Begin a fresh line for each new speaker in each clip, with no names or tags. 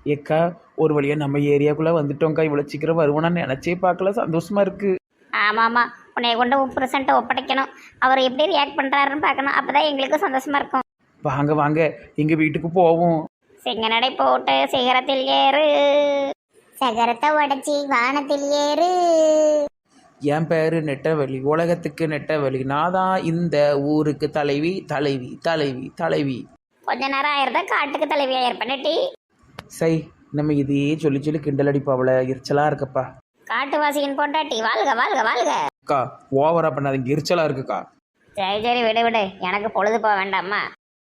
ஏக்கா ஒரு வழியாக நம்ம ஏரியாக்குள்ளே வந்துட்டோம்க்கா. இவ்வளோ சீக்கிரம் வருவோன்னு நினச்சே பார்க்கல. சந்தோஷமா இருக்கு.
ஆமாம் ஆமாம், உன்னைய கொண்டு புருஷன்ட்ட ஒப்படைக்கணும். அவர் எப்படி ரியாக்ட் பண்ணுறாருன்னு பார்க்கணும். அப்போ தான் எங்களுக்கும் சந்தோஷமா இருக்கும்.
வாங்க வாங்க எங்கள் வீட்டுக்கு போவோம்.
சிங்க நடை போட்டு சிகரத்தில் ஏறு, சகரத்தை உடச்சி வானத்தில் ஏறு.
என் பேரு நெட்டவெளி, உலகத்துக்கு நெட்டவெளி. நான் தான் இந்த ஊருக்கு தலைவி தலைவி தலைவி தலைவி.
கொஞ்ச நேரம் ஆயிருந்தா காட்டுக்கு தலைவியாக இருப்பேன்டி.
சை, நம்ம இதையே சொல்லி சொல்லி கிண்டல் அடிப்பாவல. எரிச்சலாக இருக்கப்பா.
காட்டுவாசியின் பொண்டாட்டி வாழ்க வாழ்க வாழ்க.
அக்கா ஓவரா பண்ணாதீங்க, எரிச்சலாக இருக்குக்கா.
சரி சரி, விடு விடு, எனக்கு பொழுது போக வேண்டாமா.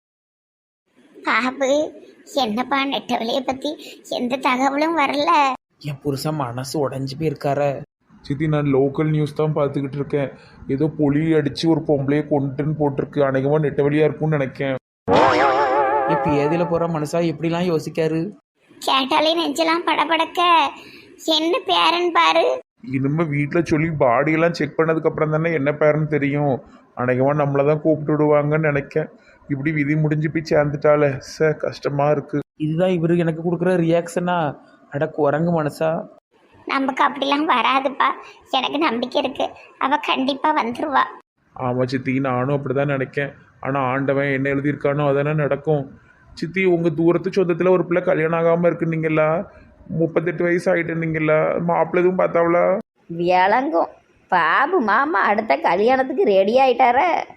பாபு, என்னப்பா நெட்டவெளியை பற்றி எந்த தகவலும் வரல.
என் புருஷன் மனசு உடஞ்சி போயிருக்கார.
சித்தி நான் லோக்கல் நியூஸ் தான் பார்த்துக்கிட்டு இருக்கேன். ஏதோ பொலி அடித்து ஒரு பொம்பளையை கொண்டுன்னு போட்டிருக்கு. அநேகமாக நெட்ட வழியாக இருக்கும்னு நினைக்கேன்.
இப்போ ஏதில் போகிற மனுஷா எப்படிலாம் யோசிக்காரு.
கேட்டாலே நெஞ்செல்லாம் படபடக்க. என்ன பேரன் பாரு.
இனிமே வீட்டில் சொல்லி பாடியெல்லாம் செக் பண்ணதுக்கப்புறம் தானே என்ன பேருன்னு தெரியும். அநேகமாக நம்மளை தான் கூப்பிட்டு விடுவாங்கன்னு நினைக்கேன். இப்படி விதி முடிஞ்சு போய் சேர்ந்துட்டாலே கஷ்டமாக இருக்குது.
இதுதான் இவரு எனக்கு கொடுக்குற ரியாக்ஷனா? அட குரங்கு மனசா.
நமக்கு அப்படிலாம் வராதுப்பா, எனக்கு நம்பிக்கை இருக்கு. அவ கண்டிப்பா வந்துருவா.
ஆமாம் சித்தி, நானும் அப்படி தான் நினைக்கேன். ஆனால் ஆண்டவன் என்ன எழுதியிருக்கானோ அதானே நடக்கும். சித்தி, உங்கள் தூரத்து சொந்தத்தில் ஒரு பிள்ளை கல்யாணம் ஆகாமல் இருக்குன்னீங்களா? 38 வயசு ஆகிட்டுனீங்களா? மாப்பிள்ளை எதுவும் பார்த்தாவளா?
விளங்கும். பாபு மாமா அடுத்த கல்யாணத்துக்கு ரெடி ஆயிட்டார.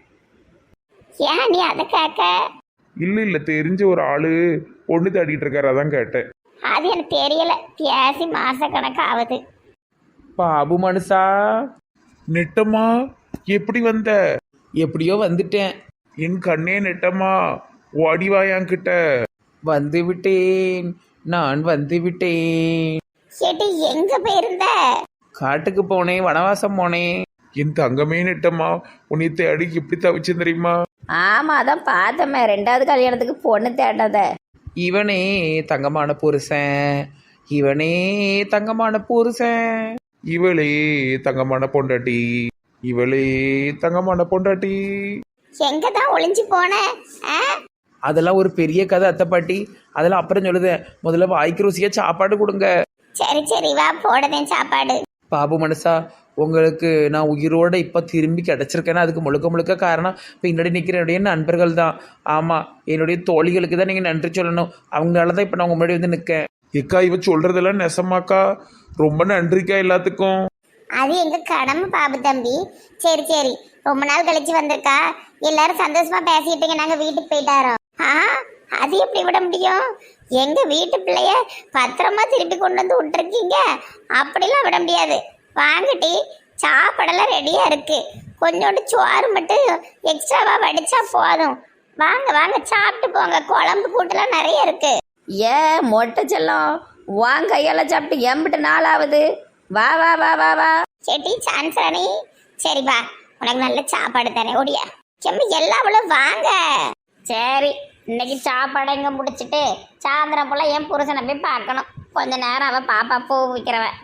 ஏன் நீ அதை கேட்க?
இல்லை தெரிஞ்ச ஒரு ஆள் பொண்ணு தேடிட்டு இருக்காரு, அதான் கேட்டேன்.
அது எனக்கு தெரியல, பேசி மாச கணக்கு ஆகுது.
பாபு மனுஷா,
நெட்டம்மா எப்படி வந்த?
எப்படியோ வந்துட்டேன்.
என் கண்ணே நெட்டம்மா, ஓடிவா என்கிட்ட.
வந்து விட்டேன், நான் வந்து விட்டேன்.
சேட்டி, எங்க போயிருந்த?
காட்டுக்கு போனேன், வனவாசம் போனேன்.
என் தங்கமே நெட்டம்மா, உன்னை தேடி எப்படி தவிச்சேன் தெரியுமா?
ஆமா, அதான் பார்த்தமே 2வது கல்யாணத்துக்கு பொண்ணு தேடாத.
இவனே தங்கமான புருஷன், இவனே தங்கமான புருஷன்.
இவளே தங்கமான பொண்டாட்டி, இவளே தங்கமான பொண்டாட்டி.
எங்க தான் ஒளிஞ்சு போன?
அதெல்லாம் ஒரு பெரிய கதை அத்தை பாட்டி. அதெல்லாம் அப்புறம் சொல்லுதேன். முதல்ல வாய்க்கு ருசியா சாப்பாடு கொடுங்க.
சரி சரி, வா போடுதேன் சாப்பாடு.
பாபு மனுஷா, உங்களுக்கு நான் உயிரோடு இப்போ திரும்பி கிடச்சிருக்கேன்னா அதுக்கு முழுக்க முழுக்க காரணம் பின்னாடி நிற்கிற என்னுடைய நண்பர்கள் தான். ஆமாம், என்னுடைய தோழிகளுக்கு தான் நீங்கள் நன்றி சொல்லணும். அவங்களால தான் இப்போ நான் உங்கள் முன்னாடி வந்து நிற்கேன்.
ஏக்கா, இவ சொல்றதெல்லாம் நெசமாக்கா? ரொம்ப நன்றிக்கா எல்லாத்துக்கும்.
அது எங்க கடமை பாபு தம்பி. சரி சரி, ரொம்ப நாள் கழிச்சு வந்திருக்கா. எல்லாரும் சந்தோஷமா பேசிட்டு நாங்க வீட்டுக்கு போயிட்டாரோம். அது எப்படி விட முடியும்? எங்க வீட்டு பிள்ளைய பத்திரமா திருப்பி கொண்டு வந்து விட்டுருக்கீங்க. அப்படிலாம் விட முடியாது. வாங்கட்டி, சாப்பாடெல்லாம் ரெடியா இருக்கு. கொஞ்சோண்டு சோறு மட்டும் எக்ஸ்ட்ராவா வடிச்சா போதும். வாங்க வாங்க, சாப்பிட்டு போங்க. குழம்பு கூட்டெல்லாம் நிறைய இருக்கு. மொட்டை செல்லம், வாங்க கையால சாப்பிட்டு எம்பிட்டு நாள் ஆகுது. வா வா வா வா வா. செட்டி சான்சராணி, சரி வா, உனக்கு நல்ல சாப்பாடு தானே. ஓடியா செம்ம எல்லாவளும் வாங்க. சரி, இன்னைக்கு சாப்பாடை இங்கே முடிச்சுட்டு சாயந்தரம் போல் என் புருஷனை போய் பார்க்கணும். கொஞ்ச நேரம் அவன் பாப்பா பூ விற்கிறவன்.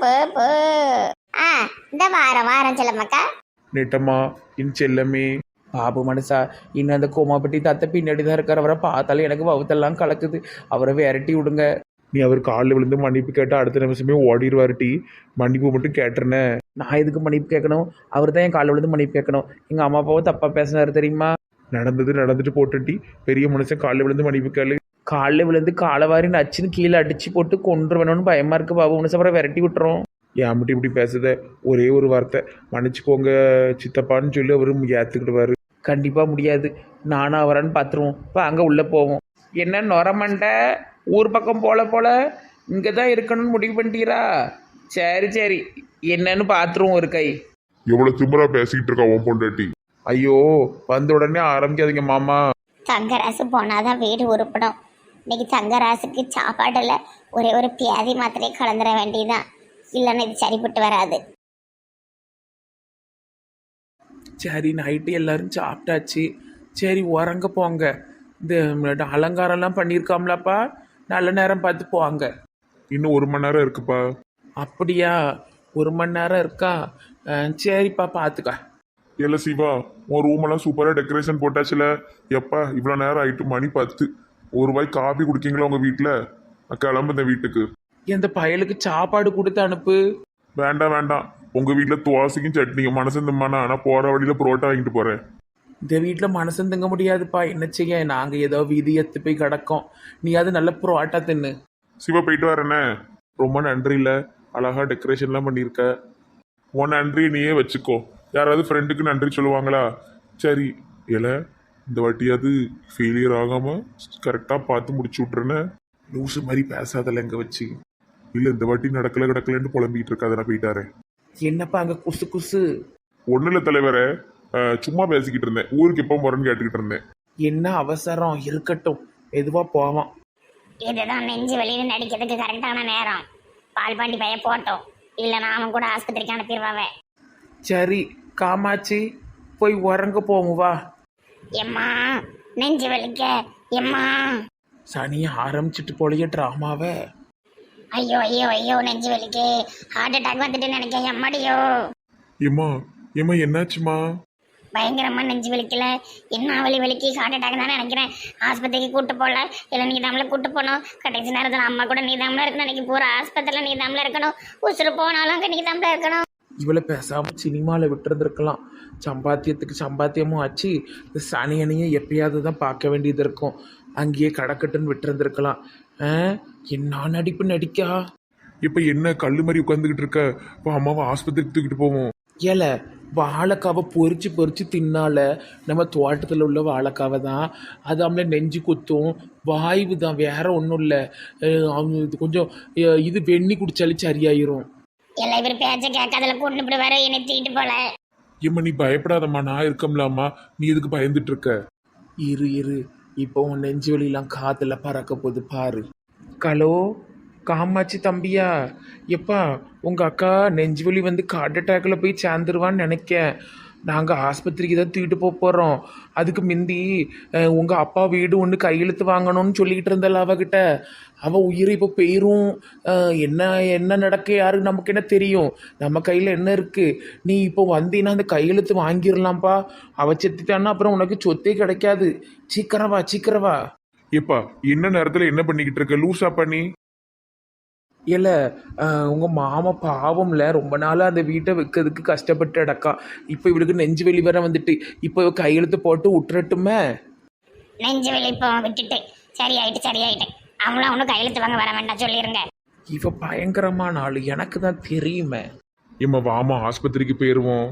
இந்த வாரம் வாரம் செல்லம்மாக்கா.
நெட்டம்மா, என் செல்லமே.
பாபு மனுஷா, இன்னும் அந்த கோமாப்பட்டி தத்தை பின்னாடி தான் இருக்கார். அவரை பார்த்தாலும் எனக்கு வவுத்தெல்லாம் கலக்குது. அவரை விரட்டி விடுங்க.
நீ அவர் காலில் விழுந்து மன்னிப்பு கேட்டால் அடுத்த நிமிஷமே ஓடிடுவாருட்டி. மன்னிப்பு மட்டும் கேட்டுருனே.
நான் எதுக்கு மன்னிப்பு கேட்கணும்? அவர் தான் என் காலில் விழுந்து மன்னிப்பு கேட்கணும். எங்கள் அம்மா அப்பாவும் தப்பாக பேசினாரு தெரியுமா?
நடந்துட்டு போட்டுட்டி பெரிய மனுஷன் காலில் விழுந்து மன்னிப்பு கேளு.
காலில் விழுந்து காலவாரி நச்சுன்னு கீழே அடிச்சு போட்டு கொண்டு வேணும்னு பயமா இருக்கு பாபு மனுஷன். அப்புறம் விரட்டி விட்டுறோம்.
ஏன் மட்டும் இப்படி பேசுத? ஒரே ஒரு வார்த்தை மன்னிச்சுக்கோங்க சித்தப்பான்னு சொல்லி அவரு ஏற்றுக்கிடுவாரு.
கண்டிப்பாக முடியாது. நானும் அவரான்னு பார்த்துருவோம். இப்போ அங்கே உள்ளே போவோம். என்ன நொரமண்ட ஊர் பக்கம் போல இங்கே தான் இருக்கணும்னு முடிவு பண்ணிட்டீரா? சரி சரி, என்னன்னு பார்த்துருவோம் ஒரு கை.
எவ்வளவு திமிரா பேசிக்கிட்டு இருக்கா உன் பொண்டாட்டி. ஐயோ, வந்த உடனே ஆரம்பிக்காதீங்க மாமா.
தங்கராசு போனாதான் வீடு உருப்படும். இன்னைக்கு தங்கராசுக்கு சாப்பாடுல ஒரே ஒரு பியாதி மாத்திரையை கலந்துட வேண்டியதுதான். இல்லைன்னா இது சரிப்பட்டு வராது.
சரி, நைட்டு எல்லாரும் சாப்பிட்டாச்சு. சரி, உறங்க போங்க. இந்த அலங்காரம்லாம் பண்ணியிருக்காம்லப்பா, நல்ல நேரம் பார்த்து போவாங்க.
இன்னும் 1 மணி நேரம் இருக்குப்பா.
அப்படியா? 1 மணி நேரம் இருக்கா? சரிப்பா, பார்த்துக்க.
இல்ல சிவா, உன் ரூமெல்லாம் சூப்பராக டெக்கரேஷன் போட்டாச்சுல. எப்பா இவ்வளோ நேரம் ஆயிட்டு, மணி 10. ஒரு வாய் காபி குடிக்கீங்களா உங்கள் வீட்டில்? நான் கிளம்புதேன் வீட்டுக்கு.
இந்த பயலுக்கு சாப்பாடு கொடுத்து அனுப்பு.
வேண்டாம் வேண்டாம், உங்க வீட்டுல துவாசைக்கும் சட்னியும் மனசு திம்மானா, நான் போற வழியில புரோட்டா வாங்கிட்டு போறேன்.
இந்த வீட்டில் மனசு தங்க முடியாதுப்பா, என்ன செய்ய, நாங்கள் ஏதோ வீதி எத்து போய் கிடக்கோம். நீ அது நல்ல புரோட்டா தின்னு.
சிவா போயிட்டு வரேனே. ரொம்ப நன்றி இல்ல, அழகா டெக்கரேஷன்லாம் பண்ணியிருக்க. உன் நன்றி நீயே வச்சுக்கோ. யாராவது ஃப்ரெண்டுக்கு நன்றி சொல்லுவாங்களா? சரி இல்ல, இந்த வாட்டியாவது ஃபெயிலியர் ஆகாம கரெக்டாக பார்த்து முடிச்சு விட்ருன்னு. லூசு மாதிரி பேசாதல்ல எங்க வச்சு. இல்லை இந்த வாட்டி நடக்கல கிடக்கலன்னு புலம்பிக்கிட்டு இருக்காத, நான் போயிட்டாரேன்.
என்னப்பா அங்கே குசு குசு?
ஒன்றும் இல்லை தலைவரே, சும்மா பேசிக்கிட்டு இருந்தேன். ஊருக்கு எப்போ போறேன்னு கேட்டுக்கிட்டு இருந்தேன்.
என்ன அவசரம்? இருக்கட்டும், எதுவாக போவான்.
இதுதான் நெஞ்சு வெளியில நடிக்கிறதுக்கு கரெக்டான நேரம். பால்பாண்டி பைய போட்டோம், இல்லைன்னா அவன் கூட ஆஸ்பத்திரிக்கு அனுப்பிடுவாவே.
சரி காமாட்சி, போய் உறங்க போவோம் வா.
எம்மா நெஞ்சு வலிக்க, எம்மா.
சனியை ஆரம்பிச்சிட்டு போலயே ட்ராமாவை.
ஐயோ ஐயோ ஐயோ நெஞ்சு வலிக்கு, ஹார்ட் அட்டாக் வந்துட்டு நினைக்கிறேன். எம்மாடியோ.
ஏம்மா ஏம்மா என்னாச்சுமா?
பயங்கரமா நெஞ்சு வலிக்கல, என்ன வலிக்கு ஹார்ட் அட்டாக் தான் நினைக்கிறேன். ஆஸ்பத்திரிக்கு கூட்டு போகல, இல்லை நீ தாமல கூட்டு போனோம். கடைசி நேரத்தில் அம்மா கூட நீ தாமல இருக்கணும். இன்னைக்கு பூரா ஆஸ்பத்திரியில் நீ தாமல இருக்கணும். உசுறு போனாலும் அங்கே நீ தாமல இருக்கணும்.
இவளை பேசாமல் சினிமாவில் விட்டுருந்துருக்கலாம். சம்பாத்தியத்துக்கு சம்பாத்தியமும் ஆச்சு. இந்த சனியனையும் எப்பயாவது தான் பார்க்க வேண்டியது இருக்கும். அங்கேயே கடக்கட்டுன்னு விட்டுருந்துருக்கலாம். என்ன நடிப்பு நடிக்கா.
இப்போ என்ன கல்லு மாதிரி உட்காந்துக்கிட்டு இருக்க? இப்போ அம்மாவை ஆஸ்பத்திரிக்கு தூக்கிட்டு போவோம்.
ஏல, வாழைக்காவை பொறிச்சு பொறிச்சு தின்னால நம்ம தோட்டத்தில் உள்ள வாழைக்காவை தான். அது அவங்கள நெஞ்சு குத்தும், வாய்வு தான், வேற ஒன்றும் இல்லை. அவங்க இது கொஞ்சம் இது வெண்ணி குடிச்சாலே சரியாயிரும்.
எல்லாம் இவர் பேச்ச கேட்காதல கூட்டு போய் வர என்னை தூக்கிட்டு போல.
ஏம்மா நீ பயப்படாதம்மா, நான் இருக்கம்லாமா. நீ எதுக்கு பயந்துட்டு இருக்க?
இரு இரு, இப்போ உன் நெஞ்சு வலிலாம் காத்துல பறக்க போகுது பாரு. ஹலோ காமாட்சி தம்பியா? எப்பா உங்கள் அக்கா நெஞ்சு வலி வந்து ஹார்ட் அட்டாக்ல போய் சேர்ந்துருவான்னு நினைக்கேன். நாங்கள் ஆஸ்பத்திரிக்கு தான் தூக்கிட்டு போகிறோம். அதுக்கு முந்தி உங்கள் அப்பா வீடு ஒன்று கையெழுத்து வாங்கணும்னு சொல்லிக்கிட்டு இருந்தாள் அவகிட்ட. அவள் உயிரை இப்போ போயிரும். என்ன என்ன நடக்க யாருக்கு நமக்கு என்ன தெரியும்? நம்ம கையில் என்ன இருக்குது? நீ இப்போ வந்தீங்கன்னா அந்த கையெழுத்து வாங்கிடலாம்ப்பா. அவள் செத்துட்டான்னா அப்புறம் உனக்கு சொத்தே கிடைக்காது. சீக்கிரவா சீக்கிரவா.
ஏப்பா என்ன நேரத்தில் என்ன பண்ணிக்கிட்டு இருக்க? லூசா பண்ணி
இல்லை, உங்கள் மாமா பாவம்ல, ரொம்ப நாளாக அந்த வீட்டை விற்கிறதுக்கு கஷ்டப்பட்டு அடக்கா. இப்போ இவளுக்கு நெஞ்சு வெளி வர வந்துட்டு, இப்போ கையெழுத்து போட்டு விட்டுறட்டுமே.
நெஞ்சு வலி இப்போ விட்டுட்டு சரியாயிட்டு. அவங்களும் அவனும் கையெழுத்து வாங்க வர வேண்டாம் சொல்லிருங்க.
இவ பயங்கரமான ஆளு, எனக்கு தான் தெரியுமே.
ஏம்மா வாமா ஆஸ்பத்திரிக்கு போயிடுவோம்.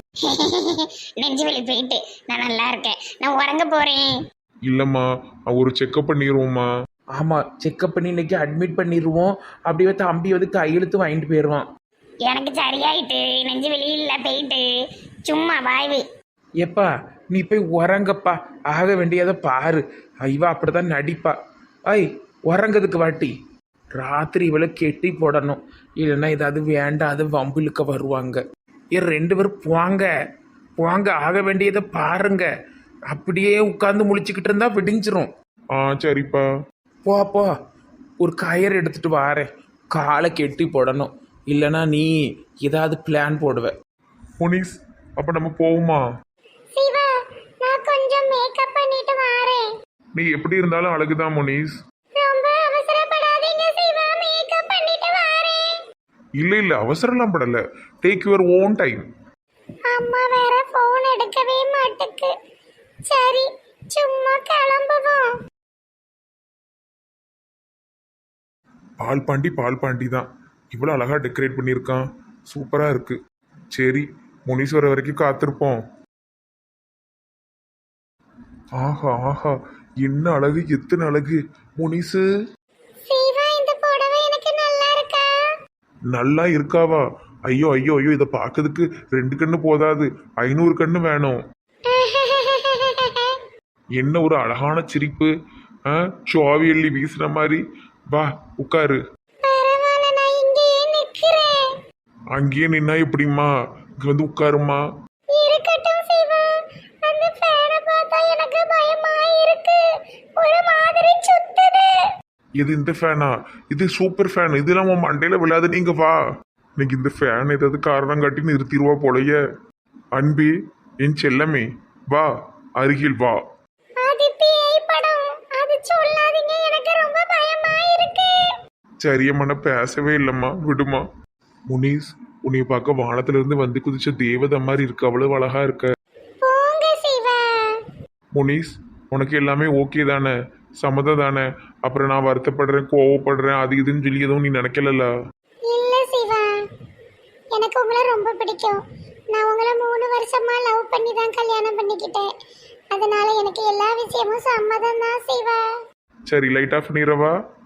நெஞ்சு வலி போயிட்டு நான் நல்லா இருக்கேன், நான் உறங்க போறேன்.
இல்லைம்மா ஒரு செக்கப் பண்ணிடுவோம்மா.
ஆமாம், செக்கப் பண்ணி இன்னைக்கு அட்மிட் பண்ணிடுவோம். அப்படியே தம்பி வந்து கையெழுத்து வாங்கிட்டு போயிடுவான்.
எனக்கு சரியாயிட்டு, நெஞ்சு வலி இல்லை போயிட்டு, சும்மா வாய்வு.
எப்பா நீ போய் உறங்கப்பா, ஆக வேண்டியதை பாரு. இவ அப்படிதான் நடிப்பா. ஐய் உறங்கிறதுக்கு வாட்டி. ராத்திரி இவளை கெட்டி போடணும், இல்லைன்னா ஏதாவது வேண்டாத வம்பிழுக்க வருவாங்க. ரெண்டு பேரும் போங்க போங்க, ஆக வேண்டியதை பாருங்க. அப்படியே உட்காந்து முழிச்சுக்கிட்டு இருந்தா விடிஞ்சிரும்.
சரிப்பா.
போ போ, ஒரு கயிறு எடுத்துட்டு வாரேன், காலை கெட்டி போடணும். இல்லைன்னா நீ ஏதாவது பிளான் போடுவ.
முனிஸ் அப்ப நம்ம போவோமா?
சிவா நான் கொஞ்சம் மேக்கப் பண்ணிட்டு வரேன்.
நீ எப்படி இருந்தாலும் அழகுதான் முனிஸ்.
ரொம்ப அவசரப்படாதீங்க சிவா, மேக்கப் பண்ணிட்டு வரேன்.
இல்ல அவசரம்லாம் படல, டேக் யுவர் ஓன் டைம்.
அம்மா வேற போன் எடுக்கவே மாட்டுக்கு. சரி சும்மா கிளம்புவோம்.
பால் பாண்டி தான் இவ்வளோ அழகா டெக்கரேட் பண்ணியிருக்கான். சூப்பரா இருக்கு. சரி முனிஸ் வர வரைக்கும் காத்திருப்போம். ஆஹா ஆஹா, என்ன அழகு, எத்தனை அழகு. முனிசு
சிவா இந்த புடவை எனக்கு நல்லா இருக்கா?
நல்லா இருக்காவா? ஐயோ ஐயோ ஐயோ, இதை பார்க்கறதுக்கு 2 கண்ணு போதாது, 500 கண்ணு வேணும். என்ன ஒரு அழகான சிரிப்பு, சுவாவி எள்ளி வீசுன மாதிரி. வா உட்காரு.
பரவாயில்லை, நான் இங்கேயே நிக்கிறேன்.
அங்கேயே நின்னா எப்படிம்மா, இங்க வந்து உட்காருமா.
இருக்கட்டும் சிவா, அந்த ஃபேனை பார்த்தா எனக்கு பயமா இருக்கு, ஒரு மாதிரி சுத்துது.
இது இந்த ஃபேனா? இது சூப்பர் ஃபேன், இதெல்லாம் உன் மண்டையில விழாது. நீங்க வா, இன்னைக்கு இந்த ஃபேன் ஏதாவது காரணம் காட்டி நிறுத்திடுவா போலயே. அன்பி என் செல்லமே வா, அருகில் வா.
அது பேய் படம், அது சொல்லாதீங்க, எனக்கு ரொம்ப பயமா இருக்கு.
சரியம்மா பேசவே இல்லைம்மா விடுமா. முனிஸ், உன்னைய பார்க்க வானத்துல இருந்து வந்து குதிச்ச தேவதை மாதிரி இருக்கு, அவ்வளவு அழகா இருக்க.
போங்க சிவா.
முனிஸ், உனக்கு எல்லாமே ஓகே தானே, சம்மதம் தானே? அப்புறம் நான் வருத்தப்படுறேன், கோவப்படுறேன், அது இதுன்னு சொல்லி எதுவும் நீ நினைக்கலல்ல?
இல்ல சிவா, எனக்கு உங்களை ரொம்ப பிடிக்கும். நான் உங்களை 3 வருஷமா லவ் பண்ணி தான் கல்யாணம் பண்ணிக்கிட்டேன். அதனால எனக்கு எல்லா விஷயமும் சம்மதம் தான் சிவா.
சரி, லைட் ஆஃப் பண்ணிடவா?